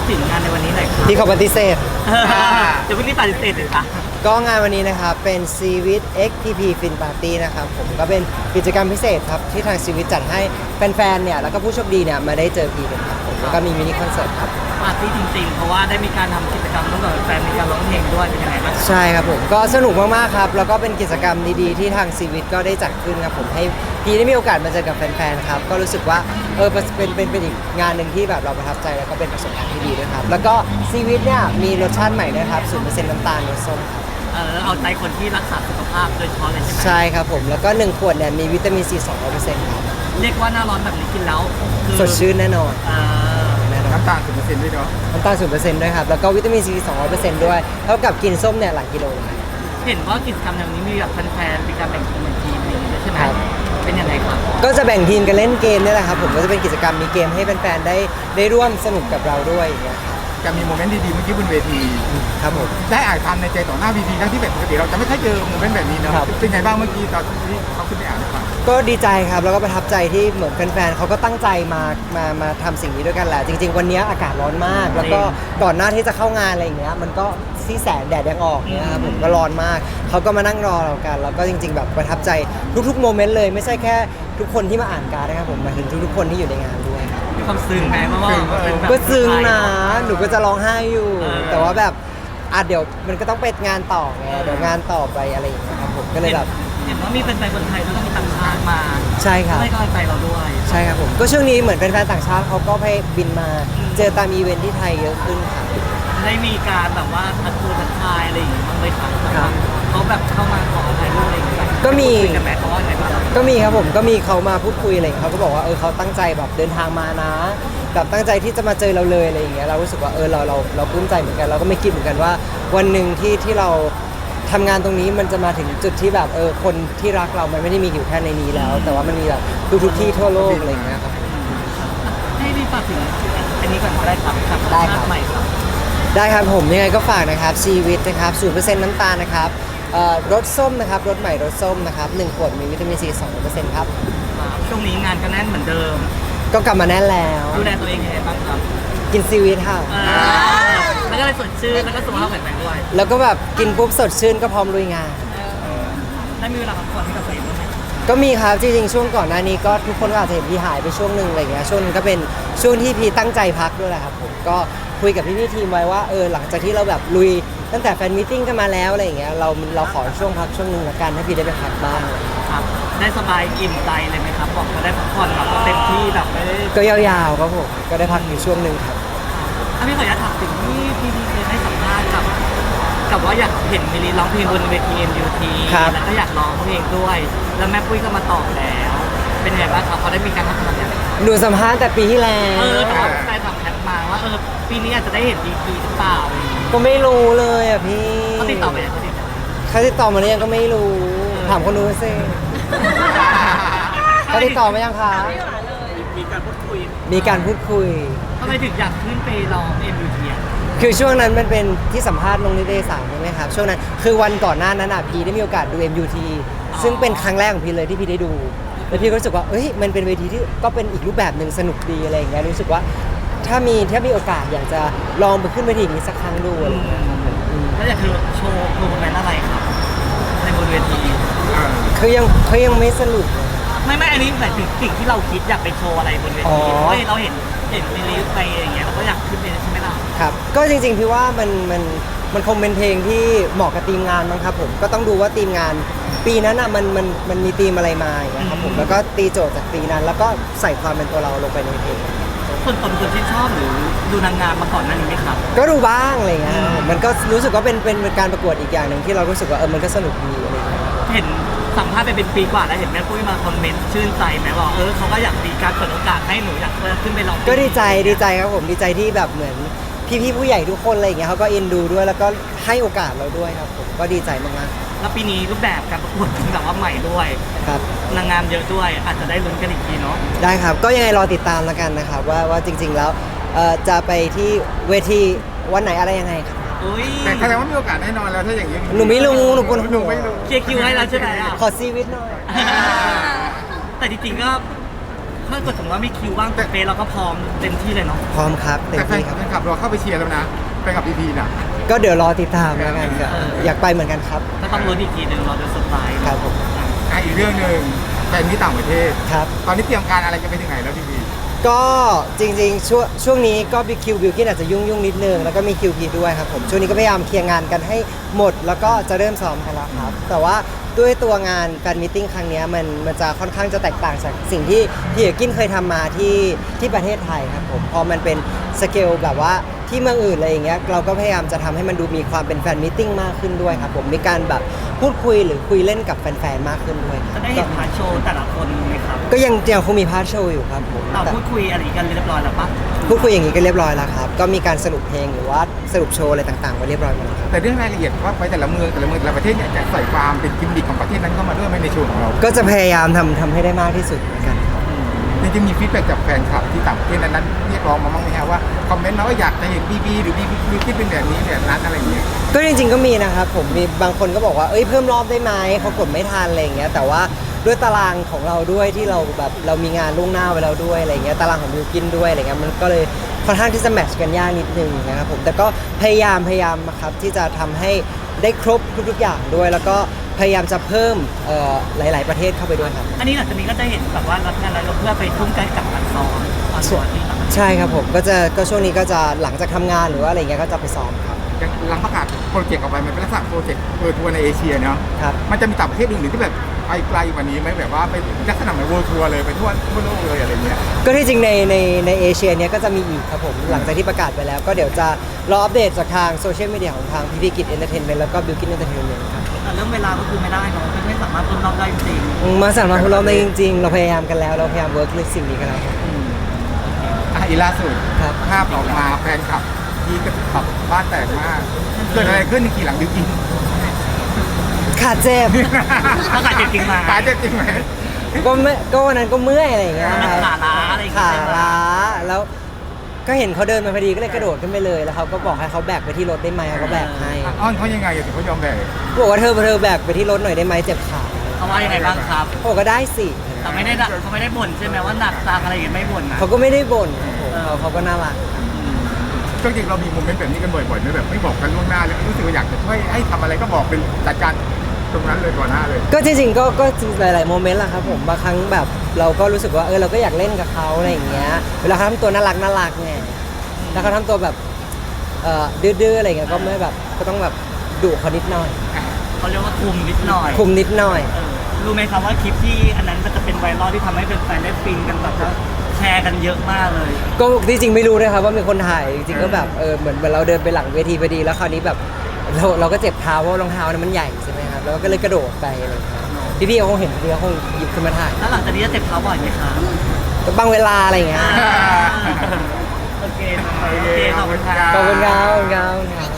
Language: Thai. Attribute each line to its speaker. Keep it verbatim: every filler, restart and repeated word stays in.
Speaker 1: ถึงงานในวันนี้หน่อยครับ
Speaker 2: ที่เขาปฏิเสธ
Speaker 1: เดี๋ยวพรุ่งนี้ปฏิเสธเลยค่ะ
Speaker 2: ก็งานวันนี้นะครับเป็น ซีวิต เอ็กซ์ ที พี Fin Party นะครับผมก็เป็นกิจกรรมพิเศษครับที่ทางซีวิตจัดให้แฟนๆเนี่ยแล้วก็ผู้โชคดีเนี่ยมาได้เจอพีกันครับผมแล้วก็มีมินิคอนเสิร์ตครับ
Speaker 1: ปาร์ตี้จริงๆ เพราะว่าได้มีการทำกิจกรรมร่วมกับแฟนมีการร้องเพลงด้วยเป็นยังไงบ้าง
Speaker 2: ใช่ครับผมก็สนุกมากๆครับแล้วก็เป็นกิจกรรมดีๆที่ทางซีวิตก็ได้จัดขึ้นครับผมให้พีได้มีโอกาสมาเจอกับแฟนๆครับก็รู้สึกว่าเออเป็นเป็นเป็นอีกงานหนึ่งที่แบบเราประทับใจแล้วก็เป็นประสบการณ์ที่ดีด้วยครับแล้วก็ซีวิตเนี่ยมีรสชาติใหม่ด้วยครับศูนย์เปอร์เซ็นต์น้ำตาลรสส้มครับ
Speaker 1: เออเอาใจคนที่รักษาสุขภาพโดยเฉพาะเลยใช่ไหม
Speaker 2: ใช่ครับผมแล้วก็หนึ่งขวดเนี่ยมีวิตามินซี สองร้อยเปอร์เซ็นต์ครับ
Speaker 1: เรียกว่าหน้าร้อนแบบนี้กินแล้วคือ
Speaker 2: สดชื่นแน่นอน
Speaker 1: เออ
Speaker 2: แน่นอน
Speaker 3: น้ำตาลสิบเปอร์เซ็นต์ด้วยเนาะ
Speaker 2: น้ำตาลศูนย์เปอร์เซ็นต์ด้วยครับแล้วก็วิตามินซี สองร้อยเปอร์เซ็นต์ด้วยเท่ากับกินส้มเนี่ยหลายกิโลเลย
Speaker 1: เห็นว่ากิจกรรมในวันนี้มีแบบแฟนๆมีการแบ่งทีมเหมือนทีมอะไรอย่างเงี้ยใช่ไหม
Speaker 2: ครับ
Speaker 1: เป็นยังไงครับ
Speaker 2: ก็จะแบ่งทีมกันเล่นเกมนี่แหละครับผมก็จะเป็นกิจกรรมมีเกมให้แฟนๆได้ได้ร่วมสนุกกับเราด้วยอย่างเงี้ยครับ
Speaker 3: จะมีโมเมนต์ดีๆเมื่อกี้บนเวที
Speaker 2: ครับผม
Speaker 3: ได้อ่านคำในใจต่อหน้าเวทีทั้งที่แบบปกติเราจะไม่ค่อยเจอโมเมนต์แบบนี้เนาะ
Speaker 2: ครับ
Speaker 3: เป็นไงบ้างเมื่อกี้ตอนที่เขาขึ้นไปอ่านให้ฟัง
Speaker 2: ก็ดีใจครับแล้วก็ประทับใจที่เหมือนแฟนๆเขาก็ตั้งใจมามามาทำสิ่งนี้ด้วยกันแหละจริง ๆ วันนี้อากาศร้อนมาก แล้วก็ก่อนหน้าที่จะเข้างานอะไรอย่างเงี้ยมันก็ที่แสงแดดยังออกเนี่ยครับผมก็ร้อนมากเขาก็มานั่งรอเรากันแล้วก็จริง ๆ แบบประทับใจทุกๆโมเมนต์เลยไม่ใช่แค่ทุกคนที่มาอ่านการ์ดนะครับผมหมายถึงทุกๆคนที่อยู่ในงานด้วยครับ
Speaker 1: มีความซึ้งไหมเพราะว่าเป็นแบบ
Speaker 2: ก็ซึ้งนะหนูก็จะร้องไห้อยู่
Speaker 1: เออ
Speaker 2: แต่ว่าแบบอ่ะเดี๋ยวมันก็ต้องไปงานต่อไงเดี๋ยวงานต่อไปอะไรอย่างเงี้ยครับผมก็เลยแบบ
Speaker 1: เห็นว่ามีแฟนๆคนไทยแล้วก็มีต่างชาติมา
Speaker 2: ใช่ครับ
Speaker 1: ให้กำลังใจเราด้วย
Speaker 2: ใช่ครับผมก็ช่วงนี้เหมือนแฟนๆต่างชาติเขาก็ไปบินมาเจอตามอีเวนท์ที่ไทยเยอะขึ้นครับ
Speaker 1: ได้มีการแบบว่าทักทายทักทายอะไรอย่างเงี้ยบ้างไหมครับ
Speaker 2: ครับ
Speaker 1: เขาแบบเข้ามาขอถ่ายรูปอะไรอย่างเงี้ย
Speaker 2: ก็มี
Speaker 1: คุยกันไหมเขาว่าไงบ้าง
Speaker 2: ก็มีครับผมก็มีเขามาพูดคุยอะไรอย่างเงี้ยเขาก็บอกว่าเออเขาตั้งใจแบบเดินทางมานะแบบตั้งใจที่จะมาเจอเราเลยอะไรอย่างเงี้ยเรารู้สึกว่าเออเราเราเราปลื้มใจเหมือนกันเราก็ไม่คิดเหมือนกันว่า วันหนึ่งที่ที่เราทำงานตรงนี้มันจะมาถึงจุดที่แบบเออคนที่รักเรามันไม่ได้มีอยู่แค่ในนี้แล้ว แต่ว่ามันมีแบบทุกๆที่ทั่วโลกอะไรอย่างเงี้ยครับ
Speaker 1: ให้รีบฝากถึงอันนี้ก่อนก็ได้ครับกับ
Speaker 2: ได้ครับ
Speaker 1: ใหม่ครับ
Speaker 2: ได้ครับผมยังไงก็ฝากนะครับชีวิตนะครับศูนย์เปอร์เซ็นต์น้ำตาลนะครับเอ่อรสส้มนะครับรสใหม่รสส้มนะครับหนึ่งขวดมีวิตามินซีสองเปอร์เซ็นต์ครับ
Speaker 1: ครับช่วงนี้งานก็แน่นเหมือนเดิม
Speaker 2: ก็กลับมาแน่นแล้ว
Speaker 1: ดูแลตัวเองยังไงบ้างครับ
Speaker 2: กินซีวิตค่ะ
Speaker 1: เออแล้วก็เลยสดชื่นแล้วก็สุขภาพแข็งแรงด้วย
Speaker 2: แล้วก็แบบกินปุ๊บสดชื่นก็พร้อมลุยงาน
Speaker 1: ได้มีเวลาพักผ่อนให้กับตัวเองบ้างไหม
Speaker 2: ก็มีครับจริงๆช่วงก่อนหน้านี้ก็ทุกคนก็อาจจะเห็นพี่หายไปช่วงหนึ่งอะไรเงี้ยช่วงนึงก็เป็นช่วงที่พี่ตั้งใจพักด้วยแหละครับผมก็คุยกับพี่ๆทีมไว้ว่าเออหลังจากที่เราแบบลุยตั้งแต่แฟนมิทติ้งกันมาแล้วอะไรอย่างเงี้ยเราเราขอช่วงพักช่วงหนึ่งละกันให้พี่ได้ไปพักบ้าง
Speaker 1: ครับ ได้สบายอิ่มใจเลยไหมครับบอกว่าได้พักผ่อนแบบเต็มที่แบบไม่ได้
Speaker 2: ก็ยาวๆครับผมก็ได้พักอยู่ช่วงหนึ่งครับ
Speaker 1: ถ้าพี่ขออนุญาตถามถึงที่พี่ดีเคยให้สัมภาษณ์กับกับว่าอยากเห็นมิลลีร้องเพลงบนเวที เอ็ม ยู ที
Speaker 2: ครับ
Speaker 1: แล้วก็อยากร้องเพลงด้วย แล้วแม่ปุ้ยก็มาตอบแล้ว เป็นไงบ้างครับเขาได้มีการพัฒนาอย่างไร
Speaker 2: หนูสัมภาษณ์แต่ปีที่แล้ว
Speaker 1: เออแต่ว่าใครถามแพทมาว่าเออปีนี้อาจจะได้เห็นดีกีหรือเปล่าอะไรอย่างเงี้ย
Speaker 2: ก็ไม่รู้เลยอ่ะพี่
Speaker 1: เขาติดต่อไปยังเขาติดต่อ
Speaker 2: เขาติดต่อมาหรือยังก็ไม่รู้ถามคนนู้นสิเขาติดต่อมายังคะ
Speaker 1: มีการพูดคุย
Speaker 2: มีการพูดคุย
Speaker 1: ทำไมถึงอยากขึ้นไปร้องเอ็มยูที
Speaker 2: คือช่วงนั้นมันเป็นที่สัมภาษณ์ลงนิตยสารใช่ไหมครับช่วงนั้นคือวันก่อนหน้านั้นอ่ะพีได้มีโอกาสดู เอ็ม ยู ที ซึ่งเป็นครั้งแรกของพีเลยที่พีได้ดูแล้วพี่ก็รู้สึกว่าเอ้ยมันเป็นเวทีที่ก็เป็นอีกรูปแบบหนึ่งสนุกดีอะไรอย่างเงี้ยรู้สึกว่าถ้ามีถ้ามีโอกาสอยากจะลองไปขึ้นเวทีนี้สักครั้งดูอะไรอย่างเงี้ยครับผมอืม
Speaker 1: แล้วอยากคือโชว์โปรโมทอะไรครับในบนเวที
Speaker 2: คือยังเขายังไม่สรุปเลย
Speaker 1: ไม่ไม่อันนี้หมายถึงสิ่งที่เราคิดอยากไปโชว์อะไรบนเว
Speaker 2: อ๋
Speaker 1: ที
Speaker 2: อ
Speaker 1: เฮ้ยเราเห็นเห็นมิลลีไปอย่างเงี้ยเราก็อยากขึ้นไปใช่ไหมล่ะ
Speaker 2: ครับก็จริงๆพี่ว่ามันมันมันคงเป็นเพลงที่เหมาะกับทีมงานมั้งครับผมก็ต้องดูว่าทีมงาน ปีนั้นอ่ะมันมันมันมีธีมอะไรมาอย่างเงี้ยครับผมแล้วก็ตีโจทย์จากปีนั้น แล้วก็ใส่ความเป็นตัวเราลงไปในเพลง
Speaker 1: ส่วนตัวเป็นคนที่ชอบหรือดูนางงามมาก่อนหน้านี้ไหมครับ
Speaker 2: ก็ดูบ้างอะไรเงี้ยครับผมมันก็รู้สึกว่าเป็นเป็นเป็นการประกวดอีกอย่างหนึ่งที่เรารู้สึกว่าเออมันก็สนุกดีอะไรเงี้ย
Speaker 1: เห็นสัมภาษณ์ไปเป็นปีกว่าแล้วเห็นแม่ปุ้ยมาคอมเมนต์ชื่นใจไหมว่าเออเขาก็อยากมีการเปิดโอกาสให้หนูอยากขึ้นไปร้องเพลง
Speaker 2: ก็ดีใจดีใจครับผมดีใจที่แบบเหมือนพี่ๆผู้ใหญ่ทุกคนอะไรอย่างเงี้ยเขาก็เอ็นดูด้วยแล้วก็ให้โอกาสเราด้วยครับผมก็ดีใจมาก
Speaker 1: แล้วปีนี้รูปแบบการประกวดเป็นแบบว่าใหม่ด้วย
Speaker 2: ๆครับ
Speaker 1: นางงามเยอะด้วยอาจจะได้ลุ้นกันอีกทีเนาะ
Speaker 2: ได้ครับก็ยังไงรอติดตามแล้วกันนะครับว่าว่าจริง ๆแล้วเอ่อจะไปที่เวทีวันไหนอะไรยังไงครับ
Speaker 1: อุ้ย
Speaker 3: แต่แสดงว่ามีโอกาสแน่นอนแล้วถ้าอย่างนี้
Speaker 2: หนูไม่รู้หนูปวดหัว
Speaker 3: หนูไม่รู้
Speaker 1: เคลียร์คิวให้แล้วใช่ไหมอ่ะ
Speaker 2: ขอซีวิตหน่อย
Speaker 1: แต่จริงๆก็ถ้าเกิดสมมติว่ามีคิวว่างแต่เฟซเราก็พร้อมเต็มที่เลยเนาะ
Speaker 2: พร้อมครับเต็ม
Speaker 3: แต่แฟน
Speaker 2: ที่ครับ
Speaker 3: แฟนคลับเราเข้าไปเชียร์แล้วนะแฟนคลับพีพีน่ะ
Speaker 2: ก็เดี๋ยวรอติดตามแล้วกันครับอยากไปเหมือนกันครับ
Speaker 1: ก็ต้องลุ้นอีกทีหนึ่งเราจะเซอร์ไพรส์
Speaker 2: ครับผม
Speaker 3: อ่ะอีกเรื่องหนึ่งแฟนที่ต่างประเทศ
Speaker 2: ครับ
Speaker 3: ตอนนี้เตรียมการอะไรกันไปถึงไหนแล้วพีพี
Speaker 2: ก็จริงๆช่วงช่วงนี้ก็บิคิวบิวกินอาจจะยุ่งยุ่งๆนิดนึงแล้วก็มีคิวพีด้วยครับผมช่วงนี้ก็พยายามเคลียร์งานกันให้หมด แล้วก็จะเริ่มซ้อมกันแล้วครับแต่ว่าด้วยตัวงานแฟนมิทติ้งครั้งเนี้ยมันมันจะค่อนข้างจะแตกต่างจากสิ่งที่พี่เอกกินเคยทำมาที่ที่ประเทศไทยครับผมพอมันเป็นสเกลแบบว่าที่เมืองอื่นอะไรอย่างเงี้ยเราก็พยายามจะทำให้มันดูมีความเป็นแฟนมิทติ้งมากขึ้นด้วยครับผมมีการแบบพูดคุยหรือคุยเล่นกับแฟนๆมากขึ้นด้วยค
Speaker 1: จะ
Speaker 2: รับ
Speaker 1: ได้เห็นพาร์ทโชว์แต่ละคนไหมครับ
Speaker 2: ก็ยังยังคงมีพาร์ทโชว์อยู่ครับผม
Speaker 1: เรา
Speaker 2: แต่
Speaker 1: พูดคุยอะไรกันเรียบร้อยแล้วปะ
Speaker 2: พูดคุยอย่างนี้ก็เรียบร้อยแล้วครับ ก็มีการสรุปเพลงหรือว่าสรุปโชว์อะไรต่างๆไว้เรียบร้อยหมดแล้วครับ
Speaker 3: แต่เรื่องรายละเอียดว่าไปแต่ละเมืองแต่ละเมืองแต่ละประเทศเนี่ยจะใส่ความเป็นกิมมิคของประเทศนั้นเข้ามาด้วยไหมในโชว์ของเรา
Speaker 2: ก็จะพยายามทำทำให้ได้มากที่สุดเหมือนกันครับ
Speaker 3: จริงๆมีฟีดแบ็กจากแฟนคลับที่ต่างประเทศนั้นๆเรียกร้องมาบ้างไหมฮะว่าคอมเมนต์มาว่าอยากจะเห็นบีบีหรือบีบีที่เป็นแบบนี้แบบนั้นอะไรอย่างเงี้ย
Speaker 2: ก็จริงๆก็มีนะครับผมมีบางคนก็บอกว่าเอ้ยเพิ่มรอบได้ไหมเขากดไม่ทันอะไรอย่างเงี้ยแต่ว่าด้วยตารางของเราด้วยที่เราแบบเรามีงานล่วงหน้าไว้แล้วด้วยอะไรเงี้ยตารางของบิวกินด้วยอะไรเงี้ยมันก็เลยค่อนข้างที่จะแมทช์กันยากนิดนึงนะครับผมแต่ก็พยายามพยายามครับที่จะทำให้ได้ครบทุกๆอย่างด้วย แล้วก็พยายามจะเพิ่มเอ่อหลาย ๆประเทศเข้าไปด้วยครับ
Speaker 1: อันนี้หลังจากนี้ก็จะเห็นแบบว่ารับงานอะไรเพื่อไปทุ่มใจกับการซ้อมตอนตัวที่ต่างประเทศ
Speaker 2: ใช่ครับผมก็จะก็ช่วงนี้ก็จะหลังจากทำงานหรือว่าอะไรเงี้ยก็จะไปซ้อมครับ
Speaker 3: หลังประกาศโปรเจกต์ออกไปมันเป็นลักษณะโปรเจกต์เปิดทัวร์ในเอเชียเนาะ
Speaker 2: ครับ
Speaker 3: มันจะมีต่างประเทศอื่นๆที่แบบไปไกลกว่านี้ไหมแบบว่าไปลักษณะเหมือนเวิลด์ทัวร์เลยไปทั่วทั่วโลกเลยอะไรเงี้ย
Speaker 2: ก็ที่จริงในในในเอเชียเนี้ยก็จะมีอีกครับผมหลังจากที่ประกาศไปแล้ว ก็เดี๋ยวจะรออัปเดตจากทางโซเชียลมีเดียของทางพีพีกิจเอนเตอร์เทนเมนต์แล้วก็บิวกินเอนเตอร์เทนเมนต์ครับ
Speaker 1: แต่เรื่องเวลาก็คือไม่ได้เนาะไม่สามารถต้นรอบได้จริง
Speaker 2: มาสามารถทดลองได้จริง ๆ เราพยายามกันแล้ว เราพยายามเวิร์กเรื่องสิ่งนี้กันแล้วครับ
Speaker 3: อ่ะอีล่าสุด
Speaker 2: ครับ
Speaker 3: ภาพออกมาแฟนคลับยีก็แบบบ้านแตกมากเกิดอะไรขึ้นในกี่หลังดิวกิน
Speaker 2: ขาเจ็บ
Speaker 1: ๆถ้าขาดเจ็บจริงมา
Speaker 3: ตายเจ็บจริงไหม
Speaker 2: ก็ไม่ก็วันนั้นก็เมื่อยอะไรอย่างเงี้ย
Speaker 1: มัน
Speaker 2: ครับ
Speaker 1: ขาล้าอะไรอย่างเงี้
Speaker 2: ขาย
Speaker 1: ใช่ไหม
Speaker 2: ล้าแล้วก็เห็นเขาเดินมาพอดีก็เลยกระโดดขึ้นไปเลยแล้วเขาก็บอกให้เขาแบกไปที่รถได้ไหมเขาก็แบกให้
Speaker 3: อ้อนเขายังไงถึงเขายอมแบก
Speaker 2: บอกว่าเธอเธอแบกไปที่รถหน่อยได้ไหมเจ็บขา
Speaker 1: เขาว่ายังไงบ้างครับ
Speaker 2: เขาบอกก็ได้สิ
Speaker 1: แต่ไม่ได้ด่าเขาไม่ได้บ่นใช่ไหมว่าหนักจังอะไรอย่างเงี้ยไม่บ่นนะ
Speaker 2: เขาก็ไม่ได้บ่นครับผมเขาเขาก็น่ารัก
Speaker 3: จริงๆเรามีโมเมนต์แบบนี้กันบ่อยๆไหมแบบไม่บอกกันล่วงหน้าเลยรู้สึกว่าอยากจะช่วยให้ทำอะไรก็บอกเป็นจัดการตรงนั้นเลยก่อนหน้าเลย
Speaker 2: ก็จริงๆก็ก็หลายๆโมเมนต์แหละครับผมบางครั้งแบบเราก็รู้สึกว่าเออเราก็อยากเล่นกับเขาอะไรอย่างเงี้ยเวลาเขาทำตัวน่ารักน่ารักไงแล้วเขาทำตัวแบบเอ่อดื้อๆอะไรเงี้ยก็ไม่แบบก็ต้องแบบดุเขานิดหน่อย
Speaker 1: เขาเรียกว่าคุมนิดหน่อย
Speaker 2: คุมนิดหน่อย
Speaker 1: เออรู้ไหมครับว่าคลิปที่อันนั้นมันจะเป็นไวรัลที่ทำให้แฟนๆได้ฟินกันแบบว่าแชร์กันเยอะมากเลย
Speaker 2: ก็ที่จริงไม่รู้ด้วยครับว่ามีคนถ่ายจริงๆก็แบบเออเหมือนเหมือนเราเดินไปหลังเวทีพอดีแล้วคราวนี้แบบเราเราก็เจ็บเท้าเพราะรองเท้านั้นมันใหญ่ใช่ไหมครับแล้วก็เลยกระโดดไปอะไรอย่างเงี้ยพี่ๆเขาคงเห็นพี่เขาคงหยิบขึ้นมาถ่าย
Speaker 1: แล้วหลังจากนี้จะเจ็บเท้าบ่อยไหมครับ
Speaker 2: ก็บางเวลาอะไรอย่างเงี้ย
Speaker 1: โอเคโอเคขอบคุณครับ
Speaker 2: ขอบคุณครับขอบคุณครับ